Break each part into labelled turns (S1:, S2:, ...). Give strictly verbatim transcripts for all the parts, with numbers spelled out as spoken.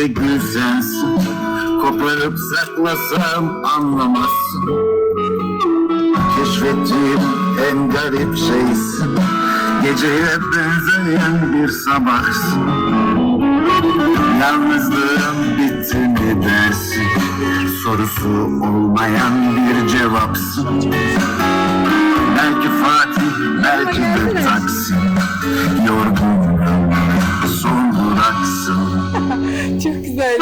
S1: de gül sensin. Koparıp saklasam anlamazsın. Keşfettiğim en garip şeysin. Geceye benzeyen bir sabahsın. Yalnızlığım bitti mi dersin? Sorusu olmayan bir cevapsın. Belki Fatih, belki de Taksim. Yorgunum, son duraksın.
S2: Çok güzel.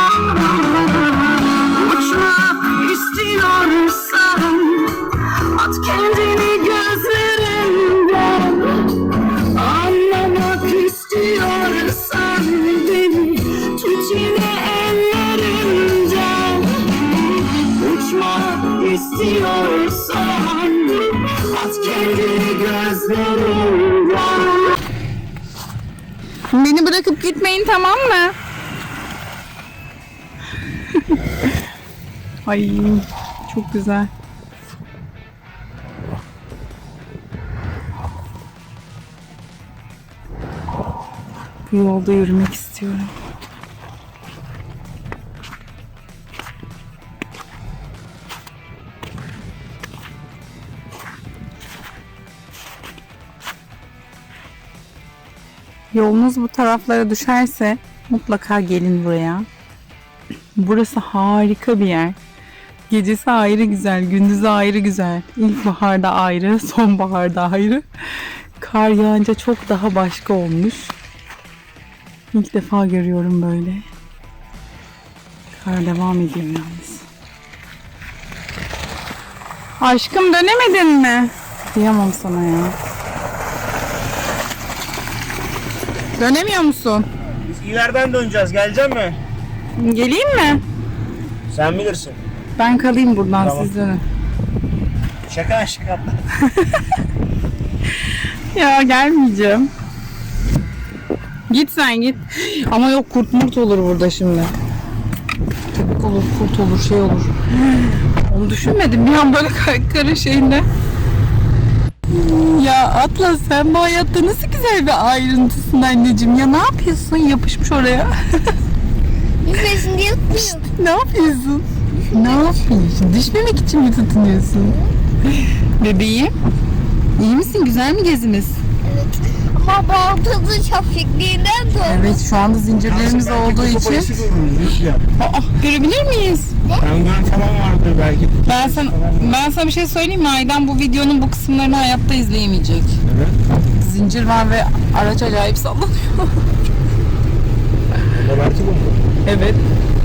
S1: Uçmak istiyorsan at kendini gözlerimden. Anlamak istiyorsan beni tut yine ellerimden. Uçmak istiyorsan at kendini gözlerimden.
S2: Beni bırakıp gitmeyin, tamam mı? Ay çok güzel. Bu yolda yürümek istiyorum. Yolunuz bu taraflara düşerse mutlaka gelin buraya. Burası harika bir yer. Gecesi ayrı güzel, gündüzü ayrı güzel. İlkbaharda ayrı, sonbaharda ayrı. Kar yağınca çok daha başka olmuş. İlk defa görüyorum böyle. Kar devam ediyor yalnız. Aşkım, dönemedin mi? Diyemem sana ya. Dönemiyor musun?
S3: Biz ileriden döneceğiz. Gelecek mi?
S2: Geleyim mi?
S3: Sen bilirsin.
S2: Ben kalayım buradan,
S3: Tamam.
S2: siz dönün.
S3: Şaka şaka.
S2: Ya gelmeyeceğim. Git sen git. Ama yok, kurt murt olur burada şimdi. Köpek olur, kurt olur, şey olur. Onu düşünmedim bir an böyle karın şeyinde. Ya Atlas, sen bu hayatta nasıl güzel bir ayrıntısın anneciğim. Ya ne yapıyorsun? Yapışmış oraya.
S4: Düşmesin diye tutmuyorum.
S2: Ne yapıyorsun? Ne yapıyorsun? Düşmemek için mi tutunuyorsun? Bebeğim, iyi misin? Güzel mi gezimiz?
S4: Evet. Ama baltası şapşıklığından sonra.
S2: Evet, şu anda zincirlerimiz olduğu için. Aa, görebilir miyiz?
S3: Penguen falan vardır belki.
S2: Ben sana, ben sana bir şey söyleyeyim mi? Aydan bu videonun bu kısımlarını hayatta izleyemeyecek.
S3: Evet.
S2: Zincir var ve araç acayip sallanıyor.
S3: Burada belki bu.
S2: Evet.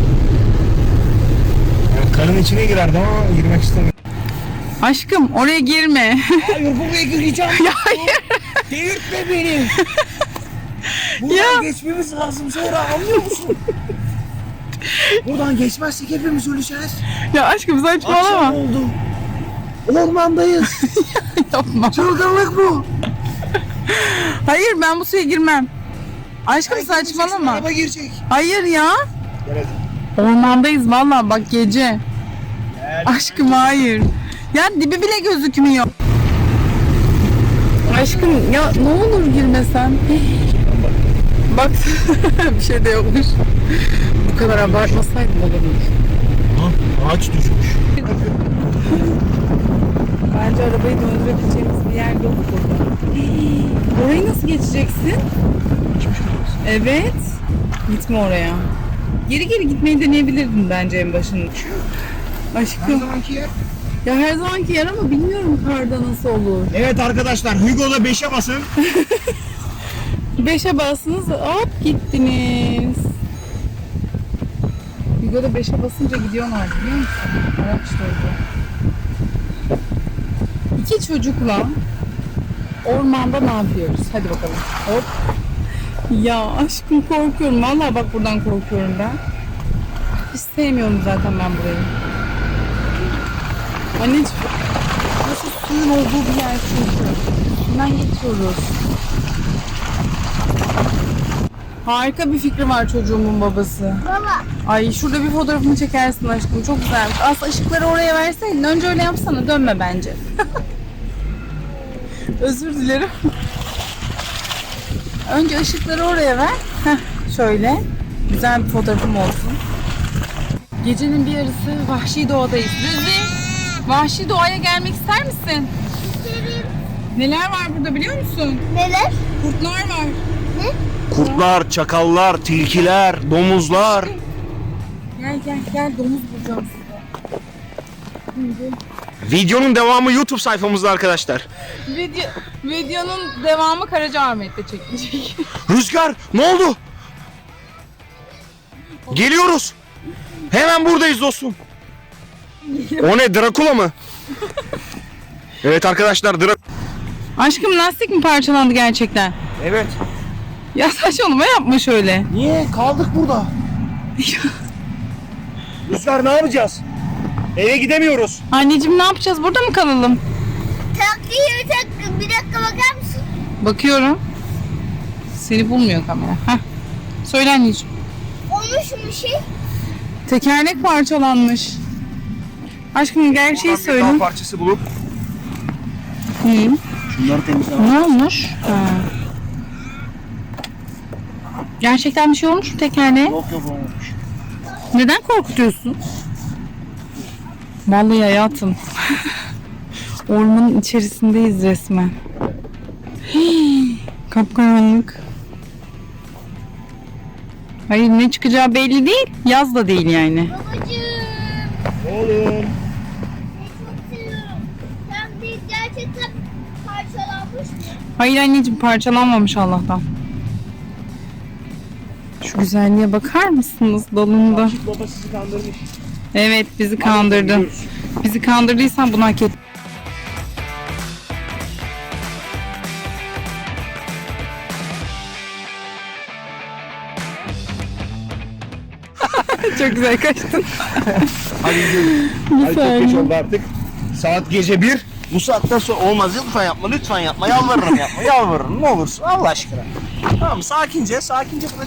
S3: Yani karın içine girerdi ama girmek istemiyorum.
S2: Aşkım, oraya girme.
S3: Hayır, buraya gireceğim.
S2: Ya hayır.
S3: Delirtme beni. Buradan
S2: Ya.
S3: geçmemiz lazım sonra, anlıyor musun? Buradan geçmezsek hepimiz öleceğiz.
S2: Ya aşkım,
S3: Akşam
S2: saçmalama.
S3: oldu. Ormandayız.
S2: Yapma.
S3: Çılgınlık bu.
S2: Hayır, ben bu suya girmem. Aşkım,
S3: Belki gireceksin,
S2: saçmalama.
S3: araba girecek.
S2: Hayır ya.
S3: Evet.
S2: Ormandayız vallahi, bak gece. Aşkım hayır. Ya dibi bile gözükmüyor. Aşkım ya ne olur girmesen. Bak bir şey de yokmuş. Bu kadar abartmasaydım olabilir.
S3: Ha, ağaç düşmüş.
S2: Bence arabayı döndürebileceğimiz bir yer yok burada. Orayı nasıl geçeceksin? Evet. Gitme oraya. Geri geri gitmeyi deneyebilirdin bence en başında. Aşkım.
S3: Her zamanki yer.
S2: Ya her zamanki yer ama bilmiyorum karda nasıl olur.
S3: Evet arkadaşlar, Hugo'da beşe basın.
S2: Beşe bastınız, hop gittiniz. Hugo'da beşe basınca gidiyorlar, biliyor musun? Araç durdu. İki çocukla ormanda ne yapıyoruz? Hadi bakalım. Hop. Ya aşkım, korkuyorum. Vallahi bak, buradan korkuyorum ben. Hiç sevmiyorum zaten ben burayı. Anneciğim, burası suyun olduğu bir yer çünkü. Üstünden geçiyoruz. Harika bir fikri var çocuğumun babası.
S4: Baba.
S2: Ay, şurada bir fotoğrafını çekersin aşkım. Çok güzelmiş. Aslında ışıkları oraya verseydin. Önce öyle yapsana. Dönme bence. Özür dilerim. Önce ışıkları oraya ver. Heh, şöyle. Güzel bir fotoğrafım olsun. Gecenin bir yarısı vahşi doğadayız. Rüzvi, vahşi doğaya gelmek ister misin?
S4: İsterim.
S2: Neler var burada biliyor musun?
S4: Neler?
S2: Kurtlar var.
S3: Kurtlar, çakallar, tilkiler, domuzlar.
S2: Gel gel gel, domuz bulacağım size.
S3: Videonun devamı YouTube sayfamızda arkadaşlar.
S2: Video, videonun devamı Karacaahmet'te çekilecek.
S3: Rüzgar, ne oldu? Geliyoruz. Hemen buradayız dostum. O ne, Drakula mı? Evet arkadaşlar, Drak...
S2: Aşkım, lastik mi parçalandı gerçekten?
S3: Evet.
S2: Ya saçmalama, yapma şöyle.
S3: Niye? Kaldık burada. Rüzgar, ne yapacağız? Eve gidemiyoruz.
S2: Anneciğim, ne yapacağız? Burada mı kalalım?
S4: Taktiği bir dakika, bir dakika bakar mısın?
S2: Bakıyorum. Seni bulmuyor kamera. Heh. Söyle anneciğim.
S4: Olmuş mu bir şey?
S2: Tekerlek parçalanmış. Aşkım, gerçeği
S3: Oradan bir
S2: söyle.
S3: dal parçası bulup
S2: Hı.
S3: şunları temizlemek.
S2: Ne olmuş? Ha. Gerçekten bir şey olmuş mu tekerleğe?
S3: Yok yok olmamış.
S2: Neden korkutuyorsun? Vallahi hayatım. Ormanın içerisindeyiz resmen. Hii, kapkaranlık. Hayır, ne çıkacağı belli değil. Yaz da değil yani.
S4: Babacığım.
S3: Oğlum.
S4: Seni çok seviyorum. Taktiği gerçekten parçalanmış mı?
S2: Hayır anneciğim, parçalanmamış Allah'tan. Şu güzelliğe bakar mısınız dalında?
S3: Aşık baba sizi kandırmış.
S2: Evet, bizi kandırdı. Bizi kandırdıysan bunu hak et. Çok güzel kaçtın.
S3: Hadi gidelim. Hadi çok geç oldu artık. Saat gece bir. Bu saatten sonra olmaz, lütfen yapma, lütfen yapma, yalvarırım yapma, yalvarırım, ne olursun Allah aşkına. Tamam, sakince, sakince bırak.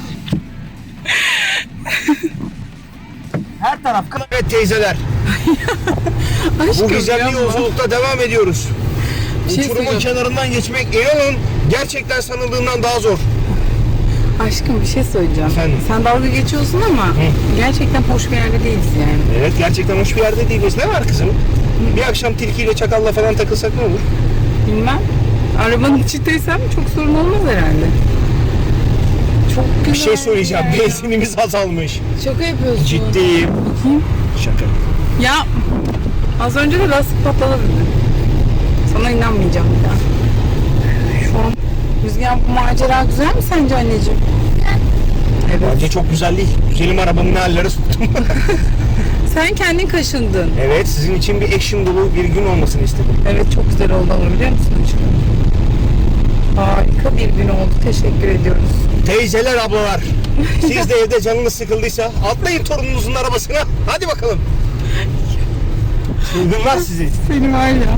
S3: Her taraf kılı. Evet teyzeler, bu
S2: Aşkım,
S3: güzel
S2: yapma.
S3: yolculukta devam ediyoruz.
S2: Bir şey
S3: Uçurumun
S2: söyleyeceğim.
S3: kenarından geçmek, inanın, gerçekten sanıldığından daha zor.
S2: Aşkım, bir şey söyleyeceğim.
S3: Efendim?
S2: Sen dalga geçiyorsun ama gerçekten hoş bir yerde değiliz yani.
S3: Evet, gerçekten hoş bir yerde değiliz. Ne var kızım? Bir akşam tilkiyle çakalla falan takılsak ne olur?
S2: Bilmem. Arabanın içindeysem çok sorun olmaz herhalde. Çok güzel.
S3: Bir şey söyleyeceğim,
S2: ya.
S3: benzinimiz azalmış.
S2: Şaka yapıyorsun.
S3: Ciddiyim.
S2: Bakayım.
S3: Şaka.
S2: Ya az önce de lastik patladı dedi. Sana inanmayacağım bir daha. Şu an Rüzgar, bu macera güzel mi sence anneciğim? Evet.
S3: Bence çok güzel değil. Güzelim arabamı ne hallere soktum.
S2: Sen kendin kaşındın.
S3: Evet, sizin için bir action dolu bir gün olmasını istedim.
S2: Evet, çok güzel oldu ama biliyor musun aşkım? Harika bir gün oldu. Teşekkür ediyoruz.
S3: Teyzeler, ablalar, siz de evde canınız sıkıldıysa atlayın torununuzun arabasına. Hadi bakalım. Çılgınlar sizi.
S2: Seni var ya.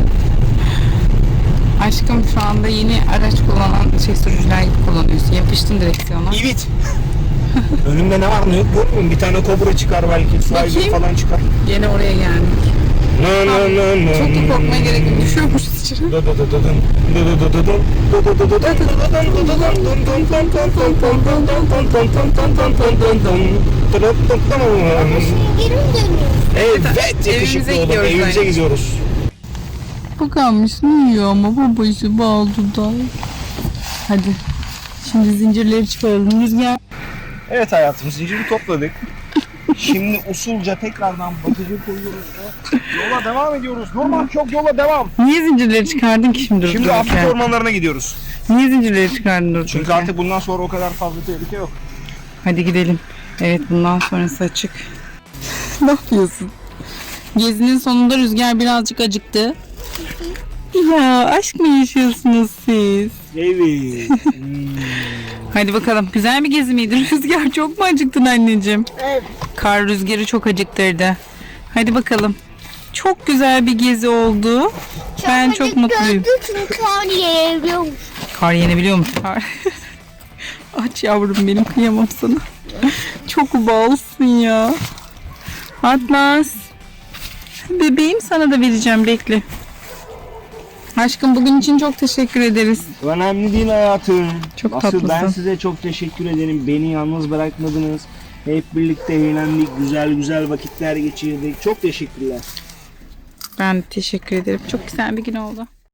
S2: Aşkım, şu anda yeni araç kullanan şey sürücüler gibi kullanıyorsun. Yapıştın direksiyona.
S3: İvit. Önümde ne var ne yok görmüyor musun? Bir tane kobra çıkar belki. Su aygırı
S2: Bakayım.
S3: falan çıkar.
S2: Yine oraya geldik.
S3: No, no, no, no,
S2: Çok da
S3: no,
S2: korkmaya
S3: no.
S2: gerek yok. Düşüyormuşuz içine.
S3: Do do do do dun. Do do do do dun. Do do do do dun. Do do do dun. Do do dun. Dun dun dun dun dun dun dun dun dun dun dun dun dun dun dun. Dun dun dun dun.
S4: Şimdi geri mi dönüyoruz?
S3: Evet, yakışıklı
S2: evimize
S3: oğlum.
S2: gidiyoruz
S3: Evimize
S2: yani.
S3: gidiyoruz.
S2: Bakalmış ne yiyor ama babası bal dudağı. Hadi. Şimdi zincirleri çıkaralım. Rüzgar.
S3: Evet hayatım, zinciri topladık. Şimdi usulca tekrardan bakıcı koyuyoruz ve yola devam ediyoruz. Normal çok yola devam.
S2: Niye zincirleri çıkardın ki şimdi?
S3: Şimdi
S2: durduk
S3: Afrika
S2: yere?
S3: ormanlarına gidiyoruz.
S2: Niye zincirleri çıkardın durduk
S3: Çünkü
S2: yere?
S3: artık bundan sonra o kadar fazla tehlike yok.
S2: Hadi gidelim. Evet, bundan sonrası açık. Ne yapıyorsun? Gezinin sonunda Rüzgar birazcık acıktı. Ya aşk mı yaşıyorsunuz siz?
S3: Evet.
S2: Hadi bakalım. Güzel bir gezi miydi? Rüzgar, çok mu acıktın anneciğim?
S4: Evet.
S2: Kar Rüzgar'ı çok acıktırdı. Hadi bakalım. Çok güzel bir gezi oldu. Ben çok mutluyum.
S4: Gördük çünkü kar yiyebiliyormuş.
S2: Kar yenebiliyormuş. Kar. Aç yavrum benim, kıyamam sana. Çok balsın ya. Atlas. Bebeğim, sana da vereceğim, bekle. Aşkım, bugün için çok teşekkür ederiz.
S3: Önemli değil hayatım.
S2: Çok
S3: Asıl ben
S2: tatlısın.
S3: size çok teşekkür ederim. Beni yalnız bırakmadınız. Hep birlikte eğlendik. Güzel güzel vakitler geçirdik. Çok teşekkürler.
S2: Ben teşekkür ederim. Çok güzel bir gün oldu.